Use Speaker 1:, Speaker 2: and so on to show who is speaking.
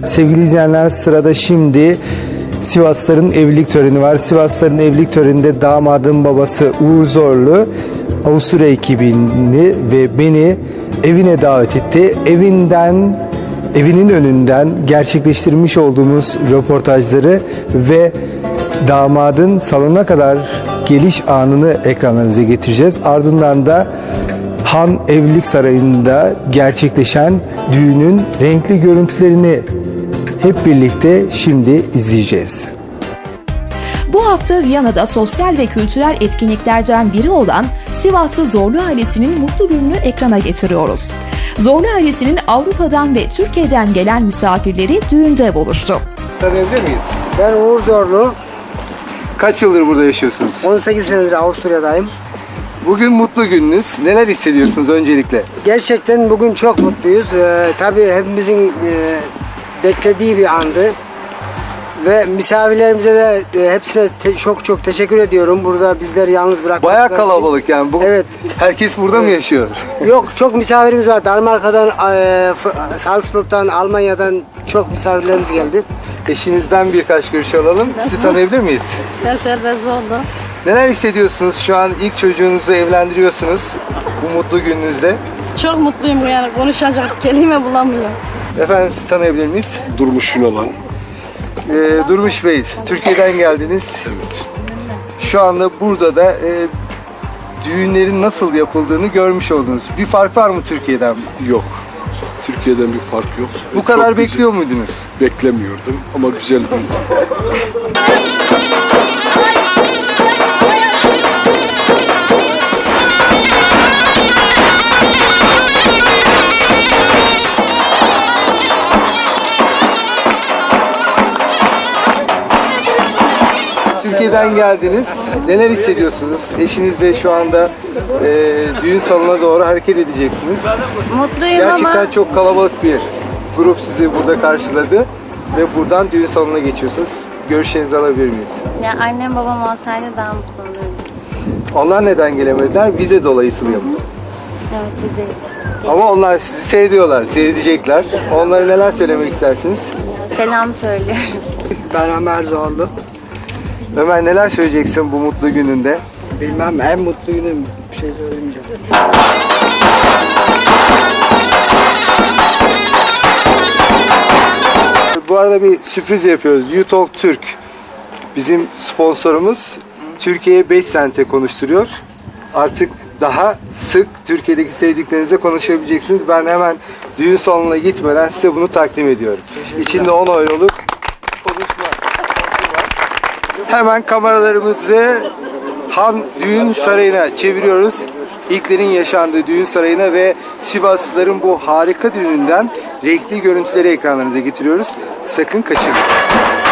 Speaker 1: Sevgili izleyenler, sırada şimdi Sivaslıların evlilik töreni var. Sivaslıların evlilik töreninde damadın babası Uğur Zorlu Avusturya ekibini ve beni evine davet etti. Evinin önünden gerçekleştirmiş olduğumuz röportajları ve damadın salona kadar geliş anını ekranlarınıza getireceğiz. Ardından da Han Evlilik Sarayı'nda gerçekleşen düğünün renkli görüntülerini hep birlikte şimdi izleyeceğiz.
Speaker 2: Bu hafta Viyana'da sosyal ve kültürel etkinliklerden biri olan Sivaslı Zorlu ailesinin mutlu gününü ekrana getiriyoruz. Zorlu ailesinin Avrupa'dan ve Türkiye'den gelen misafirleri düğünde buluştu.
Speaker 1: Tanıyabilir miyiz?
Speaker 3: Ben Uğur Zorlu.
Speaker 1: Kaç yıldır burada yaşıyorsunuz?
Speaker 3: 18 senedir Avusturya'dayım.
Speaker 1: Bugün mutlu gününüz. Neler hissediyorsunuz öncelikle?
Speaker 3: Gerçekten bugün çok mutluyuz. Tabii hepimizin beklediği bir andı. Ve misafirlerimize de hepsine çok teşekkür ediyorum. Burada bizleri yalnız bırakmak.
Speaker 1: Bayağı kalabalık yani.
Speaker 3: Evet.
Speaker 1: Herkes burada mı yaşıyor?
Speaker 3: Yok, çok misafirimiz var. Danimarka'dan, Salzburg'dan, Almanya'dan çok misafirlerimiz geldi.
Speaker 1: Eşinizden birkaç görüş alalım. Sizi tanıyabilir miyiz?
Speaker 4: Ben Servet Zorlu.
Speaker 1: Neler hissediyorsunuz? Şu an ilk çocuğunuzu evlendiriyorsunuz bu mutlu gününüzde.
Speaker 4: Çok mutluyum, yani konuşacak kelime bulamıyorum.
Speaker 1: Efendim, sizi tanıyabilir miyiz?
Speaker 5: Durmuş Yunalan.
Speaker 1: Durmuş Bey, Türkiye'den geldiniz.
Speaker 5: Evet.
Speaker 1: Şu anda burada da düğünlerin nasıl yapıldığını görmüş oldunuz. Bir fark var mı Türkiye'den?
Speaker 5: Yok. Türkiye'den bir fark yok.
Speaker 1: Bu kadar bekliyor muydunuz?
Speaker 5: Beklemiyordum ama güzel bir düğün.
Speaker 1: Türkiye'den geldiniz. Neler hissediyorsunuz? Eşinizle şu anda düğün salonuna doğru hareket edeceksiniz.
Speaker 4: Mutluyum
Speaker 1: Gerçekten
Speaker 4: ama
Speaker 1: çok kalabalık bir grup sizi burada karşıladı ve buradan düğün salonuna geçiyorsunuz. Görüşlerinizi alabilir miyiz?
Speaker 4: ya annem babam olsaydı daha mutlu olurdum.
Speaker 1: Onlar neden gelemediler? Vize dolayısıyla mı?
Speaker 4: Evet, bizeyiz.
Speaker 1: Ama onlar sizi seyrediyorlar, seyredecekler. Onlara neler söylemek istersiniz?
Speaker 4: Selam söylüyorum.
Speaker 3: Ben Ömer Zorlu.
Speaker 1: Ömer, neler söyleyeceksin bu mutlu gününde?
Speaker 3: Bilmem, en mutlu günüm, bir şey söylemeyeceğim.
Speaker 1: Bu arada bir sürpriz yapıyoruz. YouTalk Türk bizim sponsorumuz. Türkiye'ye 5 sente konuşturuyor. Artık daha sık Türkiye'deki sevdiklerinizle konuşabileceksiniz. Ben hemen düğün salonuna gitmeden size bunu takdim ediyorum. İçinde 10 euroluk konuşma var. Hemen kameralarımızı Han Düğün Sarayı'na çeviriyoruz. İlklerin yaşandığı düğün sarayına ve Sivaslıların bu harika düğününden renkli görüntüleri ekranlarınıza getiriyoruz. Sakın kaçırmayın.